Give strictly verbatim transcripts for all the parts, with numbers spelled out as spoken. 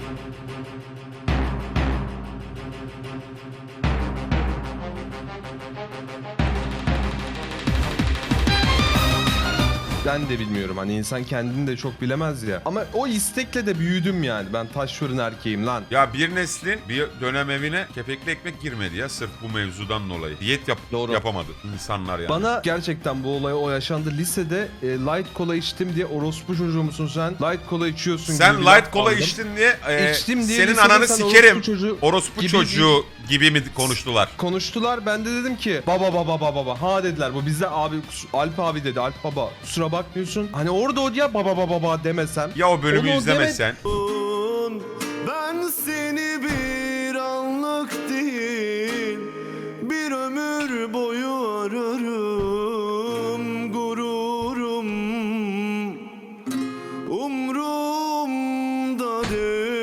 Ben de bilmiyorum, hani insan kendini de çok bilemez ya. Ama o istekle de büyüdüm yani. Ben taş fırın erkeğim lan. Ya bir neslin bir dönem evine kepekli ekmek girmedi ya sırf bu mevzudan dolayı. Diyet yap Doğru. yapamadı insanlar yani. Bana gerçekten bu olay o yaşandı. Lisede e, light kola içtim diye orospu çocuğu musun sen? Light kola içiyorsun Sen gibi bir light laf kola aldım. içtin diye, e, İçtim diye senin lisede ananı sen sikerim. orospu çocuğu Orospu gibi çocuğu gibi mi konuştular? konuştular. Ben de dedim ki baba baba baba baba. Ha dediler, bu bizde abi kus- Alp abi dedi. Alp baba kusura bakmıyorsun. Hani orada o ya baba baba baba demesem. Ya o bölümü Onu o izlemesen. Ben seni bir anlık değil, bir ömür boyu ararım. Gururum umrumda değil.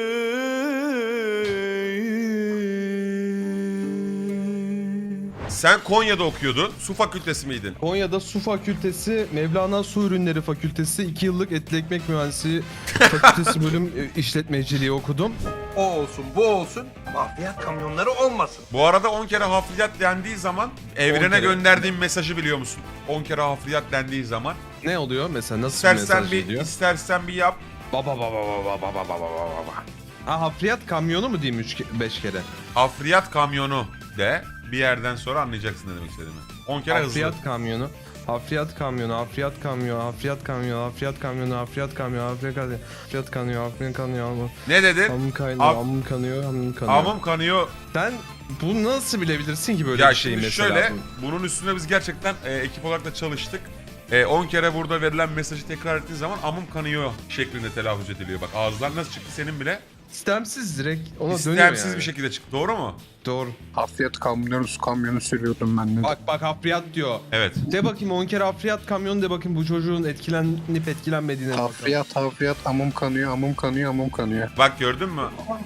Sen Konya'da okuyordun. Su fakültesi miydin? Konya'da Su Fakültesi, Mevlana Su Ürünleri Fakültesi, iki yıllık Etli Ekmek Mühendisi Fakültesi bölüm e, işletmeciliği okudum. O olsun, bu olsun. Bakliyat kamyonları olmasın. Bu arada on kere hafriyat dendiği zaman evrene kere. gönderdiğim mesajı biliyor musun? on kere hafriyat dendiği zaman. Ne oluyor mesela, nasıl bir İstersen mesaj bir geliyor? istersen bir yap. Baba baba baba baba baba baba baba. Ha, hafriyat kamyonu mu diyeyim üç beş kere? Hafriyat kamyonu de bir yerden sonra anlayacaksın ne demek istediğimi. on kere Hafriyat hızlı. kamyonu. Hafriyat kamyonu, hafriyat kamyonu, hafriyat kamyonu, hafriyat kamyonu, hafriyat kamyonu, hafriyat kamyonu, hafriyat kanıyor, hafriyat kanıyor, amım. Ne dedin? Amım kaynıyor, Af- amım kanıyor, amım kanıyor. Amım kanıyor. Sen bunu nasıl bilebilirsin ki böyle Ya bir şeyi şimdi mesela? şöyle, bunun üstüne biz gerçekten e, ekip olarak da çalıştık. E, on kere burada verilen mesajı tekrar ettiğin zaman amım kanıyor şeklinde telaffuz ediliyor. Bak ağızlar nasıl çıktı senin bile? İstemsiz direkt ona dönüyor İstemsiz yani. bir şekilde çıktı. Doğru mu? Doğru. Hafriyat kamyonu, su kamyonu sürüyordum ben de. Bak bak hafriyat diyor. Evet. De bakayım on kere hafriyat kamyonu de bakayım bu çocuğun etkilenip etkilenmediğine bakalım. Hafriyat, hafriyat, amım kanıyor, amım kanıyor, amım kanıyor. Bak gördün mü?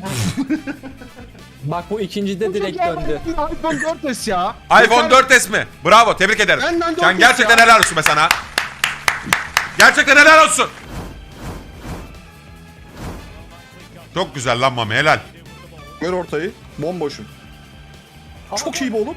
Bak bu ikincide direkt döndü. iPhone dört S ya. iPhone dört S mi? Bravo, tebrik ederim. Benden dört Sen S gerçekten ya. helal olsun be sana. Gerçekten helal olsun. Çok güzel lan Mami, helal. Ver ortayı. Bomboşum. Çok iyi be oğlum.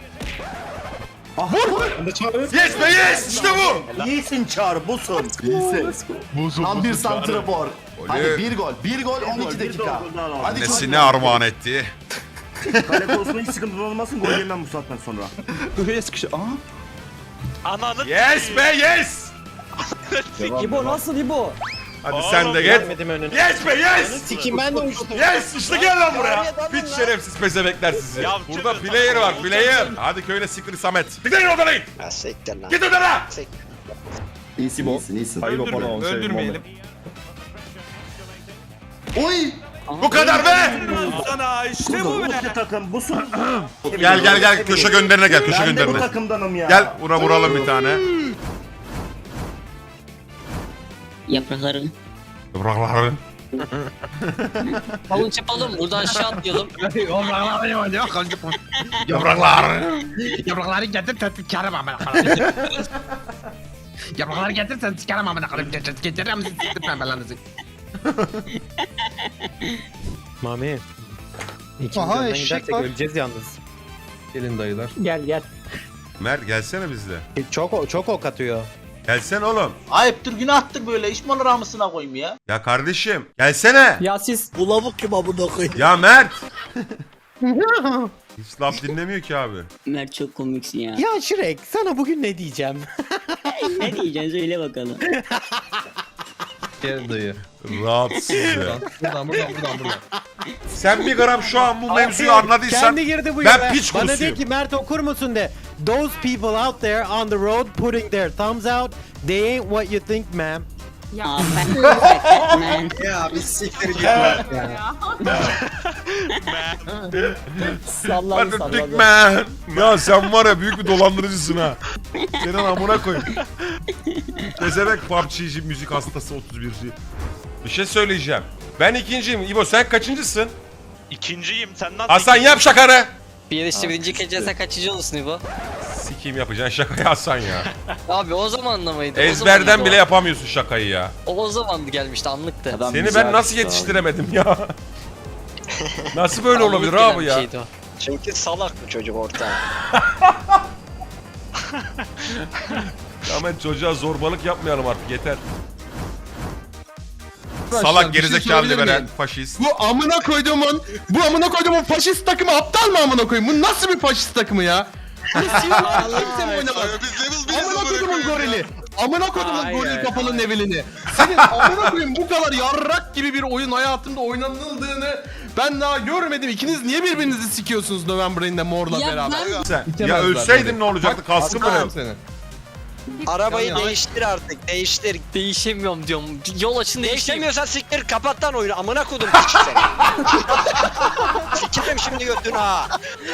Yes be yes, işte bu. İyisin Çağrı, busun. İyisin. Tam bir santrafor. Hadi bir gol, bir gol on iki dakika. Hadi Nesine armağan etti. Kale konusunda hiç sıkıntı olmasın, gol yemem bu saatten sonra. Buraya sıkışı. Aa. Ananı Yes be yes. İbo nasıl İbo? Hadi sen de git. Yes be yes. Sikim ben de uçtum. Yes işte gel lan buraya. Piç şerefsiz pezebekler sizi. Ya, Burada çıkın. player var player. Hhadi köyüne siktir Samet. Siktir odana git. Git odana. İyisin, iyisin, iyisin. Hayır o bana on şey. öldürmeyelim. Oy! Bu kadar be. Sana işte bu be. Bu takım, busun. Gel gel gel köşe gönderine gel köşe Ben de bu gönderine. takımdanım ya. Gel buna vuralım bir tane. Yaprakları. Bıraklar. Havuç yapalım. Buradan aşağı atlayalım. Yapraklar. Yaprakları getir sen sikerim amına Yaprakları getir sen sikerim amına koyayım. Getiririm sizi pembelerinizi. Mami. Aha, eşek var. öleceğiz yalnız. Gelin dayılar. Gel gel. Mert gelsene bizle. Çok çok ok atıyor. Gelsene oğlum. Ayıptır günahtır böyle iş mi olur ramısına koyayım ya. Ya kardeşim gelsene. Ya siz Bu lavuk kim abone koyayım? Ya Mert. Hiç laf dinlemiyor ki abi. Mert çok komiksin ya. ya Şirek sana bugün ne diyeceğim? Ne diyeceksin söyle bakalım. Gel dayı. Rahatsız ya. Buradan buradan buradan buradan. Sen bir gram şu an bu mevzuyu anladıysan Kendi girdi bu ben yola. piç Bana de kursuyum. ki Mert okur musun de. Those people out there on the road putting their thumbs out. They ain't what you think ma'am. Aa, ben man. Ya biz siktir git. Salladı Hadi salladı. dik man. Ya sen var ya büyük bir dolandırıcısın ha. Senin amına koyayım. Tezebek P U B G'ci müzik hastası otuz birci. Bir şey söyleyeceğim. Ben ikinciyim. İbo sen kaçıncısın? İkinciyim sen nasıl? Hasan yap şakanı. Bir yarışta birinci gece sen kaçıncı olursun İbo? Sikiyim yapacaksın şakayı Hasan ya. Abi o zamanla mıydı? O Ezberden zamandı bile o. yapamıyorsun şakayı ya. O, o zamandı gelmişti anlıktı. Seni ben nasıl yetiştiremedim ya? Nasıl böyle olabilir abi ya? Çünkü salak bu çocuk orta. Hemen çocuğa zorbalık yapmayalım artık yeter. Salak bir şey gerizekalı sorabilir veren miyim? faşist. Bu amına koyduğumun, bu amına koyduğumun faşist takımı aptal mı amına koyayım? Bu nasıl bir faşist takımı ya? Bu Siyonlar kimse mi oynamaz? Amına koyduğumun gorili. Amına koyduğumun goril kafalı nevilini. Senin amına koyayım bu kadar yarrak gibi bir oyun hayatımda oynanıldığını ben daha görmedim. İkiniz niye birbirinizi sikiyorsunuz November'inde Mor'la beraber? Sen, İtemezler ya ölseydin böyle. ne olacaktı? Bak, Kaskın mı atarım ne? seni. Arabayı Yan yana. değiştir artık değiştir. Değişemiyorum diyorum. Yol açın değişemiyorsan siktir kapat lan oyunu. Amına kodum piç seni. Sikerim şimdi götünü ha.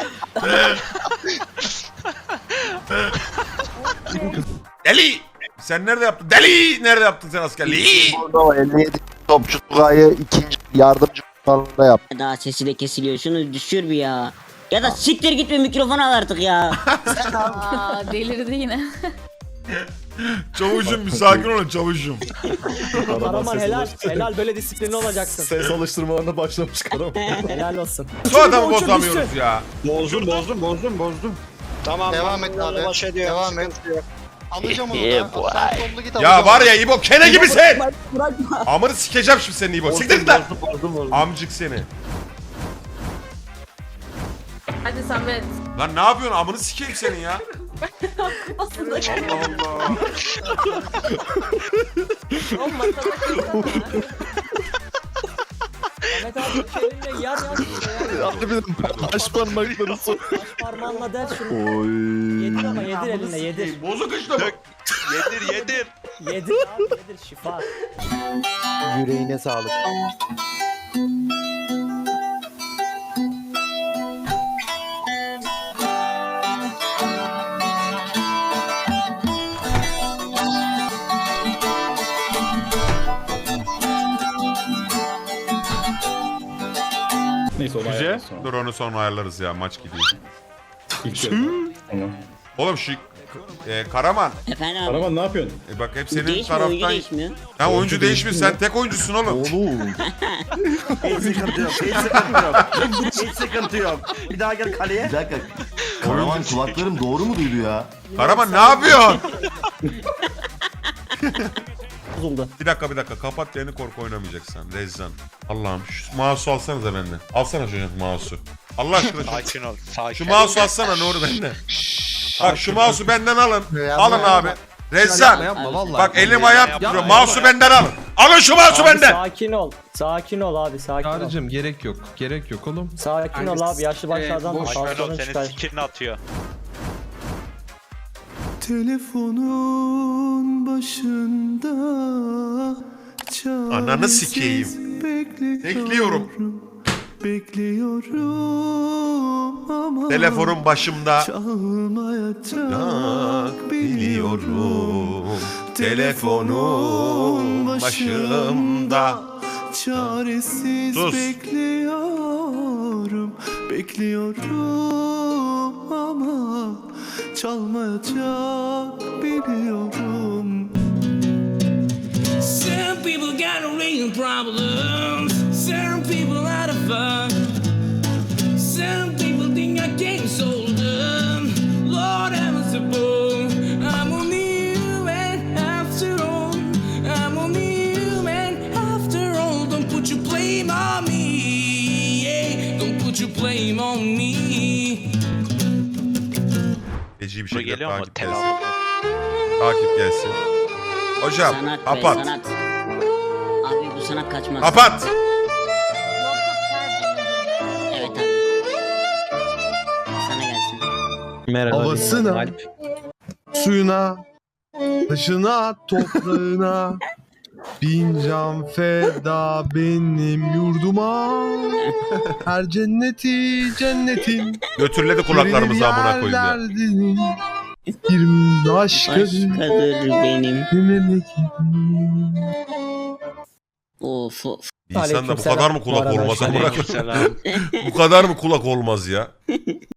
Deli! Sen nerede yaptın? Deli! Nerede yaptın sen askerliği? elli yedi topçu Tugay'ı ikinci yardımcı falan yap. Daha sesi de kesiliyor. Şunu düşür bir ya. Ya da siktir git bir mikrofon al artık ya. Aa, delirdi yine. Çavuşum bir sakin olun çavuşum. Karaman helal. Helal böyle disiplinli olacaksın. Ses alıştırmalarına başlamış Karaman. Helal olsun. Şu adamı bozamıyoruz ya. Bozdum bozdum bozdum bozdum. Tamam. Devam et abi. Devam et. Alacağım onu da. Sen sollu git Ya var ya İbo kene gibisin. Amını sikeceğim şimdi senin İbo. Siktir git lan. Amcık seni. Hadi Samet. Lan ne yapıyorsun? Amını sikeyim senin ya. Aslında Allah Allah. o masada kırsana. Ahmet abi elinle yar yar. Taş parmakları sok. Baş parmağınla der şunu. Oy. Yedir ama yedir elinle yedir. Bozuk işte bu. Yedir yedir. Yedir abi yedir şifa. Yüreğine sağlık. Neyse olay. Güzel. Dur onu sonra ayarlarız ya maç gidiyor. Oğlum şu e, Karaman. Efendim abi. Karaman ne yapıyorsun? E bak hep senin Değişmiyor oyuncu taraftan. değişmiyor. Ya oyuncu değişmiş sen tek oyuncusun oğlum. Oğlum. Hiç sıkıntı yok. Hiç sıkıntı yok. Hiç sıkıntı yok. Bir daha gel kaleye. Bir dakika. Karaman kulaklarım doğru mu duydu ya? Karaman ne yapıyorsun? Bozuldu. Bir dakika bir dakika kapat yeni korku oynamayacaksın. Rezzan. Allah'ım şu mouse'u alsanıza benden. Alsana çocuk mouse'u. Allah aşkına şu, Sakin ol. Sakin. şu mouse'u alsana Nuri benden. Bak şu mouse'u benden alın. Alın abi. Rezzan. Yapma, yapma, vallahi. Bak elim ayağım Yapma, titriyor. yapma, Mouse'u benden alın. Alın şu mouse'u benden. Sakin ol. Sakin ol abi sakin ol. Çağrı'cığım gerek yok. Gerek yok oğlum. Sakin ol abi yaşlı başlı adam Boş ver o tansiyonun senin çıkar. sikini atıyor. Telefonun başında Ananı sikeyim. Bekliyorum. Bekliyorum ama Telefonun başımda. çalmayacak Biliyorum. Telefonun başımda. Çaresiz Sus. bekliyorum Bekliyorum ama çalmayacak biliyorum. Some people got real problems. Some people out of fun. Some people think I can't solve them. Lord have mercy, I'm only human after all. I'm only human after all. Don't put your blame on me. Yeah. Don't put your blame on me. Feci bir Bu şekilde geliyor mu? takip Tel gelsin. altı. Takip gelsin. Hocam Sanat be, kapat. sanat. Abi bu sanat kaçmaz. Kapat. Evet abi. Sana gelsin. Merhaba. Havasına, suyuna, taşına, toprağına bin can feda benim yurduma. Her cenneti cennetin Götürledi kulaklarımızı amına koyayım ya. yerlerdi. Bir başkadır Başkadır benim. memleketim. Of of. İnsan da bu kadar mı kulak olmaz amına koyayım? Aleykümselam. Bu kadar mı kulak olmaz ya?